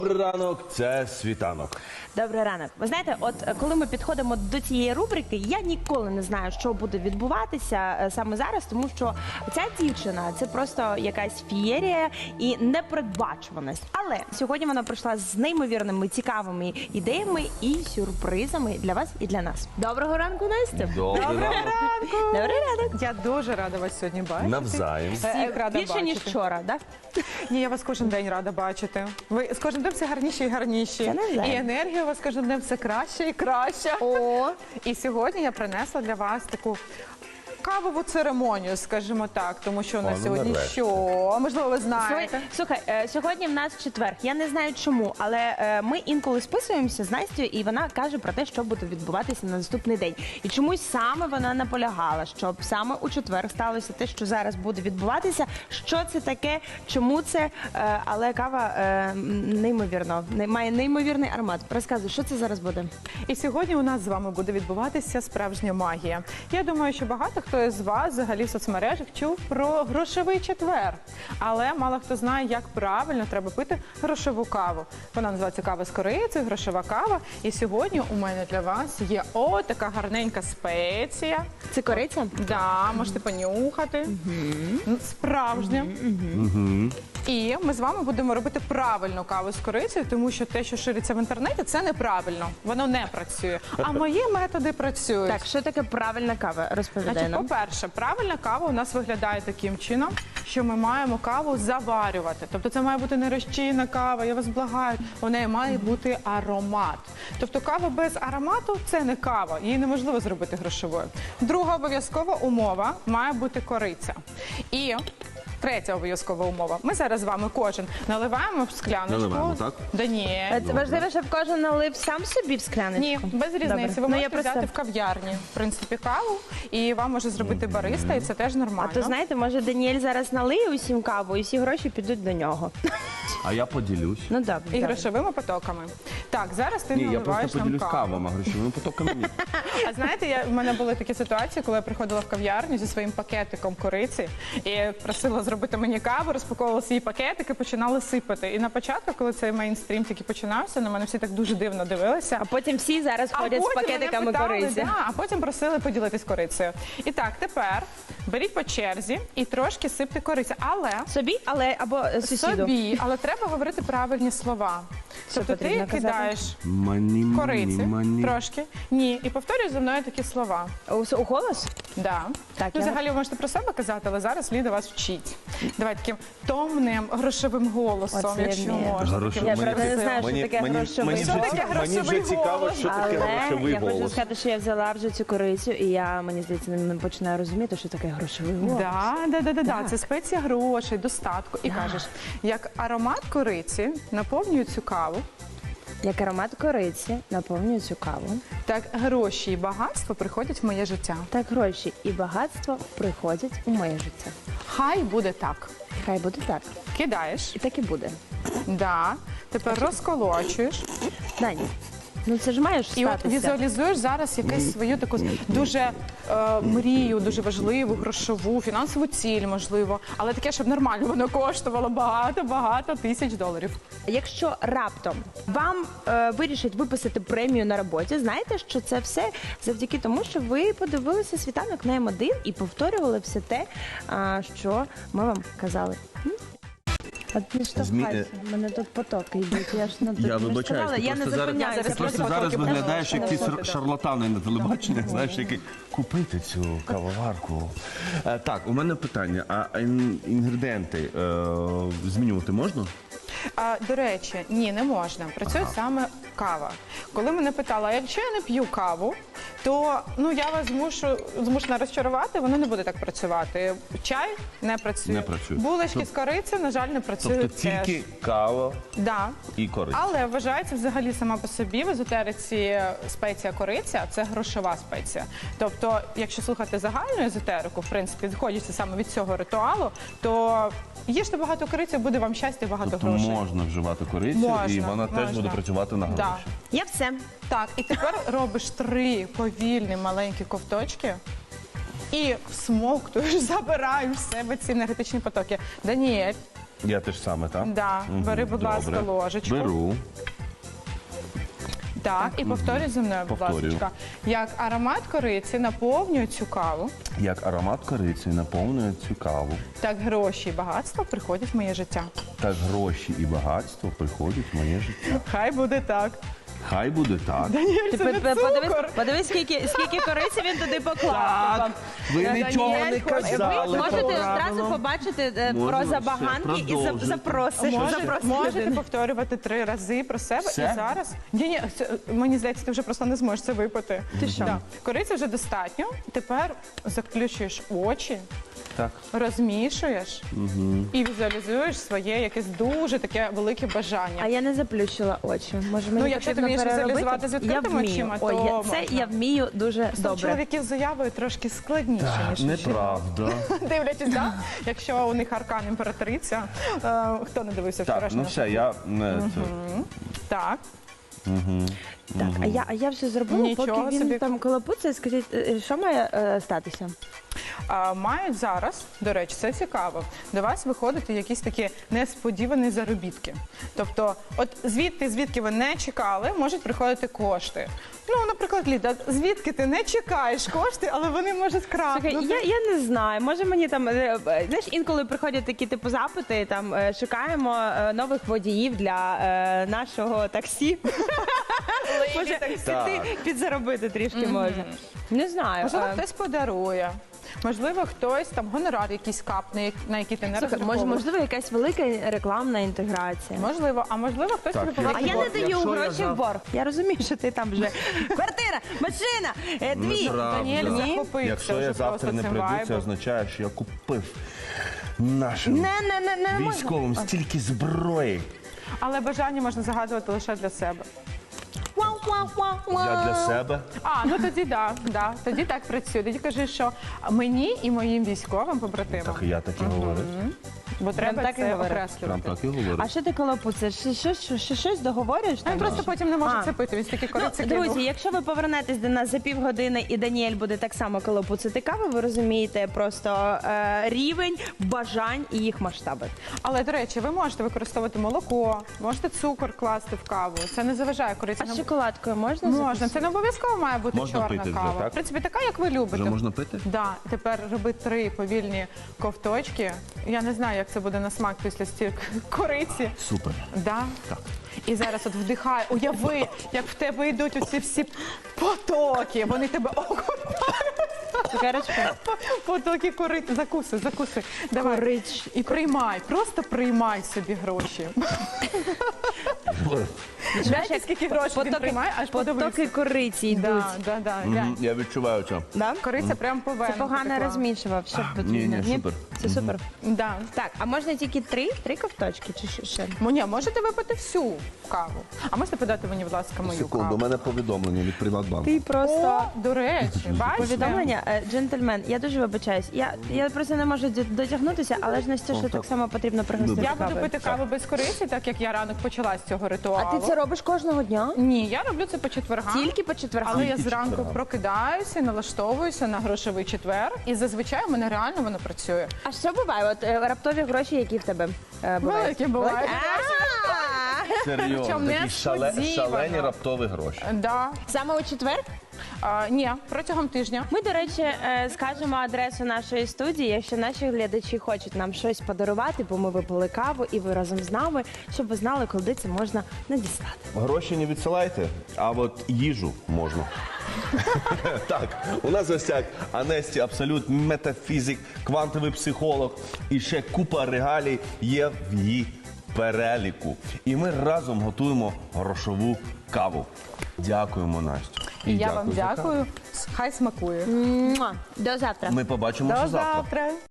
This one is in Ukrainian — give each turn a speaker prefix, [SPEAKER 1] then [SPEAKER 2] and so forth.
[SPEAKER 1] Добрий ранок, це світанок.
[SPEAKER 2] Добрий ранок. Ви знаєте, от коли ми підходимо до цієї рубрики, я ніколи не знаю, що буде відбуватися саме зараз, тому що ця дівчина – це просто якась фієрія і непередбачуваність. Але сьогодні вона прийшла з неймовірними, цікавими ідеями і сюрпризами для вас і для нас. Доброго ранку, Настя!
[SPEAKER 1] Добрий ранок.
[SPEAKER 2] Добрий ранок!
[SPEAKER 3] Я дуже рада вас сьогодні бачити.
[SPEAKER 1] Навзаєм.
[SPEAKER 3] Всіх рада
[SPEAKER 2] Більше,
[SPEAKER 3] бачити.
[SPEAKER 2] ніж вчора, так?
[SPEAKER 3] Ні, я вас кожен день рада бачити. Ви з кожним днем все гарніші і гарніші.
[SPEAKER 2] Це навзаєм.
[SPEAKER 3] І енергія у вас кожен днем все краще і краще.
[SPEAKER 2] О!
[SPEAKER 3] І сьогодні я принесла для вас таку кавову церемонію, скажімо так, тому що у нас
[SPEAKER 1] ну,
[SPEAKER 3] сьогодні
[SPEAKER 1] нарешті.
[SPEAKER 3] що? Можливо, ви знаєте.
[SPEAKER 2] Слухай, сьогодні в нас четвер. Я не знаю чому, але ми інколи списуємося з Настю, і вона каже про те, що буде відбуватися на наступний день. І чомусь саме вона наполягала, щоб саме у четвер сталося те, що зараз буде відбуватися. Що це таке, чому це, але кава неймовірно, має неймовірний аромат. Розказуй, що це зараз буде?
[SPEAKER 3] І сьогодні у нас з вами буде відбуватися справжня магія. Я думаю, що багато хто із вас взагалі в соцмережах чув про грошовий четвер. Але мало хто знає, як правильно треба пити грошову каву. Вона називається кава з корицею, грошова кава. І сьогодні у мене для вас є така гарненька спеція.
[SPEAKER 2] Це кориця?
[SPEAKER 3] Да, можете понюхати. Справжня. І ми з вами будемо робити правильну каву з корицею, тому що те, що шириться в інтернеті, це неправильно. Воно не працює. А мої методи працюють.
[SPEAKER 2] Так, що таке правильна кава? Розповідай
[SPEAKER 3] Значить,
[SPEAKER 2] нам.
[SPEAKER 3] по-перше, правильна кава у нас виглядає таким чином, що ми маємо каву заварювати. Тобто це має бути не розчинна кава, я вас благаю, у неї має бути аромат. Тобто кава без аромату – це не кава, її неможливо зробити грошовою. Друга обов'язкова умова – має бути кориця. І третя обов'язкова умова. Ми зараз з вами кожен наливаємо в скляночку.
[SPEAKER 1] Наливаємо, так?
[SPEAKER 3] Да ні.
[SPEAKER 2] Це важливо, щоб кожен налив сам собі в скляночку?
[SPEAKER 3] Ні, без різниці.
[SPEAKER 2] Добре.
[SPEAKER 3] Ви
[SPEAKER 2] Ну,
[SPEAKER 3] можете
[SPEAKER 2] я просто-
[SPEAKER 3] взяти в кав'ярні, в принципі, каву, і вам може зробити бариста, і це теж нормально.
[SPEAKER 2] А то знаєте, може Даніель зараз налиє усім каву, і всі гроші підуть до нього.
[SPEAKER 1] А я поділюсь.
[SPEAKER 2] Ну добре.
[SPEAKER 3] І
[SPEAKER 2] добре.
[SPEAKER 3] грошовими потоками. Так, зараз ти
[SPEAKER 1] Ні, я
[SPEAKER 3] наливаєш
[SPEAKER 1] просто
[SPEAKER 3] нам
[SPEAKER 1] поділюсь
[SPEAKER 3] каву.
[SPEAKER 1] кавами, а грошовими потоками ні.
[SPEAKER 3] А знаєте, в мене були такі ситуації, коли я приходила в кав'ярню зі своїм пакетиком кориці і просила зробити мені каву, розпаковувала свої пакетики, починали сипати. І на початку, коли цей мейнстрім тільки починався, на мене всі так дуже дивно дивилися.
[SPEAKER 2] А потім всі зараз ходять з
[SPEAKER 3] потім
[SPEAKER 2] пакетиками
[SPEAKER 3] мене питали,
[SPEAKER 2] кориці.
[SPEAKER 3] да, а потім просили поділитись корицею. І так, тепер беріть по черзі і трошки сипте кориці. Але
[SPEAKER 2] Собі, але або сусіду.
[SPEAKER 3] собі, але треба говорити правильні слова. Тобто ти
[SPEAKER 2] потрібно казати?
[SPEAKER 3] кидаєш
[SPEAKER 1] Мані,
[SPEAKER 3] кориці
[SPEAKER 1] мані.
[SPEAKER 3] трошки. Ні, і повторюй за мною такі слова.
[SPEAKER 2] У голос?
[SPEAKER 3] Да.
[SPEAKER 2] Так,
[SPEAKER 3] Ну,
[SPEAKER 2] я-
[SPEAKER 3] взагалі ви можете про себе казати, але зараз Ліда вас вчить. Давай таким томним, грошовим голосом,
[SPEAKER 2] Оце я
[SPEAKER 3] якщо
[SPEAKER 2] вмію.
[SPEAKER 3] можна.
[SPEAKER 1] Грошовий.
[SPEAKER 3] таким
[SPEAKER 2] Я правда не
[SPEAKER 3] красивим.
[SPEAKER 2] знаю, що таке грошовий
[SPEAKER 1] мені
[SPEAKER 3] Що
[SPEAKER 2] голос.
[SPEAKER 3] таке
[SPEAKER 1] мені вже
[SPEAKER 3] грошовий
[SPEAKER 1] цікаво,
[SPEAKER 3] голос?
[SPEAKER 1] що таке
[SPEAKER 2] Але
[SPEAKER 1] грошовий
[SPEAKER 2] я хочу
[SPEAKER 1] голос.
[SPEAKER 2] сказати, що я взяла вже цю корицю, і я, мені здається, не починаю розуміти, що таке грошовий голос.
[SPEAKER 3] Да. Це спеція грошей, достатку. І кажеш, як аромат кориці наповнює цю каву,
[SPEAKER 2] Як аромат кориці наповнює цю каву.
[SPEAKER 3] так гроші і багатство приходять в моє життя.
[SPEAKER 2] Так гроші і багатство приходять у моє життя.
[SPEAKER 3] Хай буде так.
[SPEAKER 2] Хай буде так.
[SPEAKER 3] Кидаєш,
[SPEAKER 2] І так і буде.
[SPEAKER 3] да. Тепер розколочуєш.
[SPEAKER 2] Дані, ну це ж маєш
[SPEAKER 3] І от
[SPEAKER 2] статися.
[SPEAKER 3] візуалізуєш зараз якусь свою таку дуже мрію, дуже важливу, грошову, фінансову ціль, можливо. Але таке, щоб нормально воно коштувало багато тисяч доларів.
[SPEAKER 2] Якщо раптом вам вирішать виписати премію на роботі, знаєте, що це все завдяки тому, що ви подивилися світанок на М1 і повторювали все те, що ми вам казали. От не штовхайся, в мене тут потоки йдуть. Я ж
[SPEAKER 1] Я вибачаюсь, ти
[SPEAKER 2] я не
[SPEAKER 1] просто зараз,
[SPEAKER 2] зупиняюся.
[SPEAKER 1] ти просто
[SPEAKER 3] потоки
[SPEAKER 1] зараз
[SPEAKER 3] просто
[SPEAKER 1] виглядаєш як ті
[SPEAKER 3] просто.
[SPEAKER 1] шарлатани на телебаченні, знаєш, які купити цю кавоварку. Так, у мене питання, а інгредієнти змінювати можна?
[SPEAKER 3] До речі, ні, не можна. Працює саме кава. Коли мене питали, а якщо я не п'ю каву, то я вас змушена розчарувати, воно не буде так працювати. Чай не працює.
[SPEAKER 1] Не працює.
[SPEAKER 3] Булочки з кориці, на жаль, не працюють
[SPEAKER 1] Тобто
[SPEAKER 3] теж.
[SPEAKER 1] тільки кава
[SPEAKER 3] Да.
[SPEAKER 1] і кориця.
[SPEAKER 3] Але вважається взагалі сама по собі в езотериці спеція кориця – це грошова спеція. Тобто, якщо слухати загальну езотерику, в принципі, відходячи саме від цього ритуалу, то їжте багато кориці, буде вам щастя і багато
[SPEAKER 1] Тобто
[SPEAKER 3] грошей.
[SPEAKER 1] можна вживати корицю,
[SPEAKER 3] Можна,
[SPEAKER 1] і вона теж
[SPEAKER 3] можна.
[SPEAKER 1] буде працювати на
[SPEAKER 3] Да.
[SPEAKER 1] гроші.
[SPEAKER 2] Я все.
[SPEAKER 3] Так, і тепер робиш 3 повільні маленькі ковточки і всмоктуєш, забираєш в себе ці енергетичні потоки. Даніель,
[SPEAKER 1] Я те ж саме, так?
[SPEAKER 3] Да, бери, будь ласка,
[SPEAKER 1] Добре.
[SPEAKER 3] ложечку.
[SPEAKER 1] Беру.
[SPEAKER 3] Так, і повторюй за мною, будь
[SPEAKER 1] Повторюю.
[SPEAKER 3] ласка. Як аромат кориці наповнює цю каву,
[SPEAKER 1] Як аромат кориці наповнює цю каву,
[SPEAKER 3] так гроші і багатство приходять в моє життя.
[SPEAKER 1] так гроші і багатство приходять в моє життя.
[SPEAKER 3] Хай буде так.
[SPEAKER 1] Хай буде так.
[SPEAKER 3] Даніель, це не цукор.
[SPEAKER 2] Подивись, скільки кориці він туди поклав.
[SPEAKER 1] Так, ви
[SPEAKER 3] Даніель,
[SPEAKER 1] нічого не
[SPEAKER 3] ви
[SPEAKER 1] казали.
[SPEAKER 2] Ви можете
[SPEAKER 1] по
[SPEAKER 2] одразу
[SPEAKER 1] правилам.
[SPEAKER 2] побачити
[SPEAKER 1] Можемо,
[SPEAKER 2] про
[SPEAKER 1] все,
[SPEAKER 2] забаганки і
[SPEAKER 1] продовжуйте.
[SPEAKER 2] запросиш.
[SPEAKER 3] Можете повторювати 3 рази про себе
[SPEAKER 1] Все?
[SPEAKER 3] і зараз. Ні, мені здається, ти вже просто не зможеш це випити. Ти
[SPEAKER 2] що?
[SPEAKER 3] Кориці вже достатньо. Тепер заключуєш очі,
[SPEAKER 1] Так.
[SPEAKER 3] розмішуєш і візуалізуєш своє якесь дуже таке велике бажання.
[SPEAKER 2] А я не заплющила очі. Може, мені
[SPEAKER 3] якщо ти
[SPEAKER 2] потрібно
[SPEAKER 3] вмієш
[SPEAKER 2] переробити?
[SPEAKER 3] візуалізувати з відкритими
[SPEAKER 2] Я вмію.
[SPEAKER 3] очима,
[SPEAKER 2] Ой,
[SPEAKER 3] то
[SPEAKER 2] це
[SPEAKER 3] можна.
[SPEAKER 2] я вмію дуже
[SPEAKER 3] Просто у
[SPEAKER 2] добре.
[SPEAKER 3] чоловіків з заявою трошки складніше, ніж у жінок.
[SPEAKER 1] Неправда.
[SPEAKER 3] Дивлячись, так? Якщо у них аркан імператриця, хто не дивився
[SPEAKER 1] Так,
[SPEAKER 3] вчорашнього?
[SPEAKER 1] ну все, я не це.
[SPEAKER 3] Так.
[SPEAKER 2] Так, а я все зробила,
[SPEAKER 3] Нічого
[SPEAKER 2] поки він
[SPEAKER 3] собі.
[SPEAKER 2] там колопуться. Скажіть, що має статися?
[SPEAKER 3] Мають зараз, до речі, це цікаво, до вас виходити якісь такі несподівані заробітки. Тобто, от звідки ви не чекали, можуть приходити кошти. Ну, наприклад, Ліда, звідки ти не чекаєш кошти, але вони можуть крапнути.
[SPEAKER 2] Слухай, я не знаю. Може мені там знаєш, інколи приходять такі типу запити. Там шукаємо нових водіїв для нашого таксі. Може
[SPEAKER 1] Так.
[SPEAKER 2] піти підзаробити трішки може. Не знаю.
[SPEAKER 3] Можливо, хтось подарує. Можливо, хтось там гонорар якийсь капне, на який ти не
[SPEAKER 2] Слухай,
[SPEAKER 3] розраховував.
[SPEAKER 2] можливо, якась велика рекламна інтеграція.
[SPEAKER 3] Можливо, а можливо, хтось
[SPEAKER 1] Так,
[SPEAKER 3] тобі
[SPEAKER 1] я-
[SPEAKER 2] А
[SPEAKER 3] поверне
[SPEAKER 2] я не
[SPEAKER 3] борг.
[SPEAKER 2] даю
[SPEAKER 1] Якщо я
[SPEAKER 2] гроші
[SPEAKER 1] за-
[SPEAKER 2] в борг. Я розумію, що ти там вже квартира, машина, дві.
[SPEAKER 1] Неправда.
[SPEAKER 3] Даніель
[SPEAKER 2] Ні.
[SPEAKER 3] захопився
[SPEAKER 1] Якщо
[SPEAKER 3] вже
[SPEAKER 1] я завтра
[SPEAKER 3] просто
[SPEAKER 1] не
[SPEAKER 3] цим
[SPEAKER 1] прийду, це
[SPEAKER 3] вайбом.
[SPEAKER 1] означає, що я купив нашим
[SPEAKER 2] Не можна.
[SPEAKER 1] військовим стільки зброї.
[SPEAKER 3] Але бажання можна загадувати лише для себе.
[SPEAKER 1] Я для себе.
[SPEAKER 3] Ну тоді да, тоді так працює. Тоді кажи, що мені і моїм військовим побратимам.
[SPEAKER 1] Так і я так і говорив.
[SPEAKER 3] Бо треба
[SPEAKER 2] так і
[SPEAKER 3] це
[SPEAKER 2] говорив.
[SPEAKER 1] Прям
[SPEAKER 3] окреслювати.
[SPEAKER 1] так і говорив.
[SPEAKER 2] А що ти колопуциш? Щось договорюєш?
[SPEAKER 3] Він
[SPEAKER 2] там?
[SPEAKER 3] просто потім не може
[SPEAKER 2] А.
[SPEAKER 3] це пити, він стільки кориці
[SPEAKER 2] Друзі,
[SPEAKER 3] кинув.
[SPEAKER 2] якщо ви повернетесь до нас за півгодини і Даніель буде так само колопуцити каву, ви розумієте просто рівень бажань і їх масштаби.
[SPEAKER 3] Але, до речі, ви можете використовувати молоко, можете цукор класти в каву. Це не заважає кориці.
[SPEAKER 2] А з шоколадкою можна?
[SPEAKER 3] Можна.
[SPEAKER 2] записати?
[SPEAKER 3] Це не обов'язково має бути
[SPEAKER 1] Можна
[SPEAKER 3] чорна
[SPEAKER 1] пити вже,
[SPEAKER 3] кава.
[SPEAKER 1] так?
[SPEAKER 3] В принципі, така, як ви любите.
[SPEAKER 1] Вже можна пити?
[SPEAKER 3] Да, тепер роби 3 повільні ковточки. Я не знаю, як це буде на смак після стільки кориці.
[SPEAKER 1] Супер.
[SPEAKER 3] Да?
[SPEAKER 1] Так.
[SPEAKER 3] І зараз от вдихай, уяви, як в тебе йдуть оці всі потоки. Вони тебе
[SPEAKER 2] Цукерочка?
[SPEAKER 3] потоки кориці. Закуси. Давай.
[SPEAKER 2] Корич.
[SPEAKER 3] І приймай, просто приймай собі гроші. Знаєте, скільки грошей він приймає, аж подивився.
[SPEAKER 2] Потоки кориці йдуть.
[SPEAKER 3] Да.
[SPEAKER 1] Мгм, я відчуваю це.
[SPEAKER 2] Да?
[SPEAKER 3] Кориця прям по венам
[SPEAKER 2] Це погано
[SPEAKER 3] потекла.
[SPEAKER 2] розмішував, щоб
[SPEAKER 1] ні, супер.
[SPEAKER 2] Це супер.
[SPEAKER 3] Да.
[SPEAKER 2] Так, а можна тільки три ковточки чи що ще?
[SPEAKER 3] Ні, можете випити всю каву. А можете подати мені, будь ласка, мою
[SPEAKER 1] Секунду, у
[SPEAKER 3] каву?
[SPEAKER 1] мене повідомлення від Приватбанку.
[SPEAKER 2] Ти просто
[SPEAKER 3] О, до речі, бачите?
[SPEAKER 2] повідомлення, джентльмен. Я дуже вибачаюсь. Я просто не можу дотягнутися, але ж Настюшу так само потрібно пригостити
[SPEAKER 3] Я буду
[SPEAKER 2] кавою.
[SPEAKER 3] пити каву без кориці, так як я ранок почала з цього ритуалу.
[SPEAKER 2] А ти це робиш кожного дня?
[SPEAKER 3] Ні, я роблю це по четвергам.
[SPEAKER 2] Тільки по четвергам?
[SPEAKER 3] Але я
[SPEAKER 1] Тільки
[SPEAKER 3] зранку
[SPEAKER 1] четвергам.
[SPEAKER 3] прокидаюся, налаштовуюся на грошовий четвер, і зазвичай у мене реально воно працює.
[SPEAKER 2] А що буває? От раптові гроші, які в тебе бувають?
[SPEAKER 3] Великі бувають.
[SPEAKER 1] Серйозно,
[SPEAKER 3] Причому
[SPEAKER 1] такі
[SPEAKER 3] несподівано.
[SPEAKER 1] шалені раптові гроші.
[SPEAKER 3] Да.
[SPEAKER 2] Саме у четвер?
[SPEAKER 3] Ні, протягом тижня.
[SPEAKER 2] Ми, до речі, скажемо адресу нашої студії, якщо наші глядачі хочуть нам щось подарувати, бо ми випили каву і ви разом з нами, щоб ви знали, куди це можна надіслати.
[SPEAKER 1] Гроші не відсилайте, а от їжу можна. Так, у нас в гостях Анесті Абсолют, метафізик, квантовий психолог і ще купа регалій є в її переліку. І ми разом готуємо грошову каву. Дякуємо, Настю.
[SPEAKER 3] І я вам
[SPEAKER 1] за каву.
[SPEAKER 3] дякую. Хай смакує.
[SPEAKER 2] Муа! До завтра.
[SPEAKER 1] Ми побачимося
[SPEAKER 3] До
[SPEAKER 1] завтра.
[SPEAKER 3] завтра.